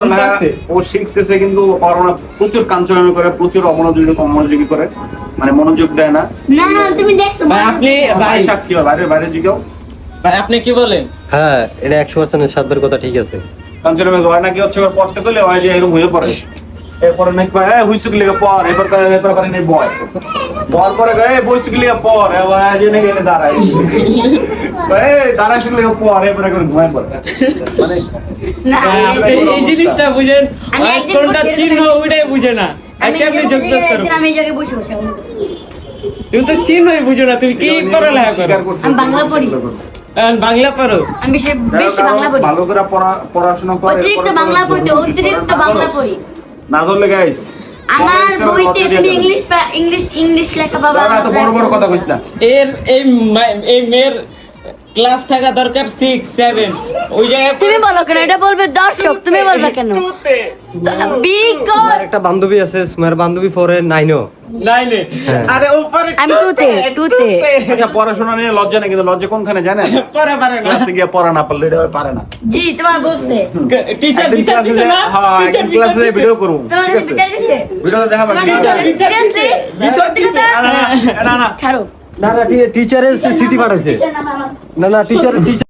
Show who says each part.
Speaker 1: ও শিখতেছে কিন্তু প্রচুর কাঞ্চনামি করে, প্রচুর অমনোযোগী করে, মানে মনোযোগ দেয় না।
Speaker 2: না তুমি দেখছো
Speaker 3: ভাই আপনি
Speaker 1: ভাই সাক্ষী হয়, বাইরে জিগাও।
Speaker 3: ভাই আপনি কি বলেন?
Speaker 4: হ্যাঁ, এটা 100% সাতবার কথা ঠিক আছে।
Speaker 1: কাঞ্চনামি হয় নাকি হচ্ছে পড়তে গেলে হয় যে এরকম হয়ে পড়ে, এরপরে নাকি হুইসুক লিখে পর, এরপর করে নেই বয় পর করে বইসুক লিখে পর, যে নাকি এনে দাঁড়ায় দাঁড়ায় শুক লিখে পর, এরপরে করে ঘুমায় পড়ে। মানে
Speaker 2: না
Speaker 3: এই জিনিসটা বুঝেন,
Speaker 2: আমি একদিন
Speaker 3: কোনটা
Speaker 2: করছি
Speaker 3: চিহ্ন ওইটাই বুঝে না।
Speaker 2: আমি
Speaker 3: কেমনে যোগ করতে
Speaker 2: আমি এই জায়গায় বসে বসে
Speaker 3: তুমি তো চিহ্নই বুঝো না, তুমি কি পড়ালেখা করো?
Speaker 1: স্বীকার করছে,
Speaker 2: আমি বাংলা পড়ি।
Speaker 3: বাংলা পড়ো?
Speaker 2: আমি বেশি বাংলা পড়ি,
Speaker 1: ভালো করে পড়াশোনা করে,
Speaker 2: অতিরিক্ত বাংলা পড়ি, অতিরিক্ত বাংলা পড়ি।
Speaker 1: না ধরলে গাইস
Speaker 2: আমার বইতে তুমি ইংলিশ লেখা বাবা।
Speaker 1: এত বড় বড় কথা কইছ না।
Speaker 3: এই মেয়ের ক্লাস থাকা দরকার 6 7, ওই জায়গায়
Speaker 2: তুমি বলো কেন, এটা বলবে দর্শক, তুমি বলবে কেন?
Speaker 4: আমার একটা বান্ধবী আছে, সুমার বান্ধবী পড়ে 9
Speaker 3: লাইনে, আরে উপরে
Speaker 2: আমি টুতে।
Speaker 1: আচ্ছা, পড়াশোনা নিয়ে লজ্জা নেই, কিন্তু লজ্জা কোনখানে জানেন?
Speaker 3: পড়া পারে না।
Speaker 1: ক্লাসে গিয়ে পড়া না পারলে এটা পারে না।
Speaker 2: জি তোমার বলছে,
Speaker 3: টিচার
Speaker 1: একদিন
Speaker 3: বিচার
Speaker 1: ক্লাসে
Speaker 3: দিছে না?
Speaker 1: হ্যাঁ, একদিন ক্লাসে ভিডিও করব,
Speaker 2: তোমার
Speaker 1: ঠিক
Speaker 2: কাছে
Speaker 1: আছে?
Speaker 2: বিচার দিছে,
Speaker 1: ভিডিওটা দেখাবেন।
Speaker 2: সিরিয়াসলি
Speaker 1: না
Speaker 2: ছাড়ো।
Speaker 4: না টিচারের সিটি পাঠাইছে। না টিচার